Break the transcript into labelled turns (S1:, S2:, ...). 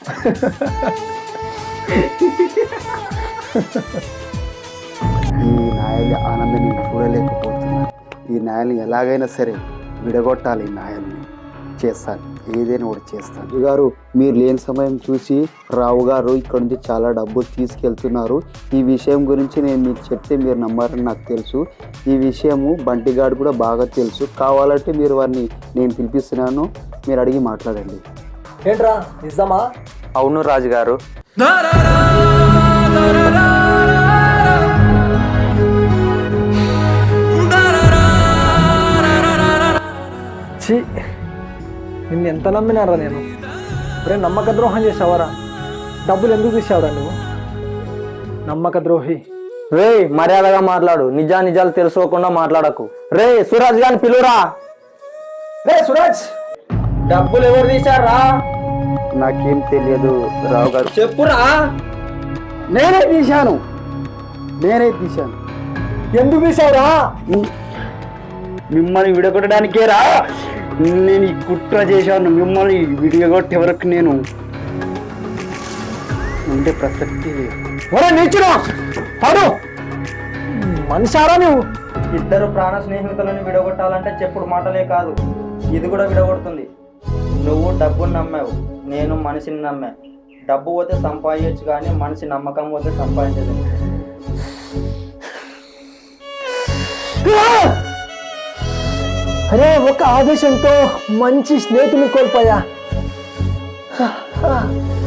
S1: ఈ నాయల్ని ఆనందం నేను చూడలేకపోతున్నాను. ఈ నాయల్ని ఎలాగైనా సరే విడగొట్టాలి. ఈ నాయల్ని చేస్తాను, ఏదైనా ఒకటి చేస్తాను. గారు మీరు లేని సమయం చూసి రావు గారు ఇక్కడ నుంచి చాలా డబ్బులు తీసుకెళ్తున్నారు. ఈ విషయం గురించి నేను మీకు చెప్తే మీరు నమ్మారని నాకు తెలుసు. ఈ విషయము బంటిగాడు కూడా బాగా తెలుసు. కావాలంటే మీరు వారిని నేను పిలిపిస్తున్నాను, మీరు అడిగి మాట్లాడండి.
S2: ఏంట్రా నిజమా?
S3: అవును రాజుగారు.
S2: ఛీ, నిన్ను ఎంత నమ్మినారా నేను? రే నమ్మక ద్రోహం చేసావరా? డబ్బులు ఎందుకు తీసావురా నువ్వు? నమ్మక ద్రోహి.
S3: రే మర్యాదగా మాట్లాడు, నిజాలు తెలుసుకోకుండా మాట్లాడకు. రే సురాజ్ గారిని పిలువురా.
S2: రే సురాజ్,
S3: డబ్బులు ఎవరు తీశారా?
S1: నాకేం తెలియదు రావు గారు.
S3: చెప్పురా.
S1: నేనే తీశాను.
S2: ఎందుకు తీసావురా?
S1: మిమ్మల్ని విడగొట్టడానికే రా నేను ఈ కుట్ర చేశాను. మిమ్మల్ని విడగొట్టే వరకు నేను ఉండే ప్రసక్తి లేదు.
S2: మనిషారా నువ్వు?
S3: ఇద్దరు ప్రాణ స్నేహితులను విడగొట్టాలంటే చెప్పుడు మాటలే కాదు, ఇది కూడా విడగొడుతుంది. నువ్వు డబ్బును నమ్మావు, నేను మనిషిని నమ్మా. డబ్బు పోతే సంపాదించచ్చు కానీ మనిషి నమ్మకం పోతే సంపాదించదు.
S2: అరే ఒక ఆవేశంతో మంచి స్నేహితుని కోల్పోయా.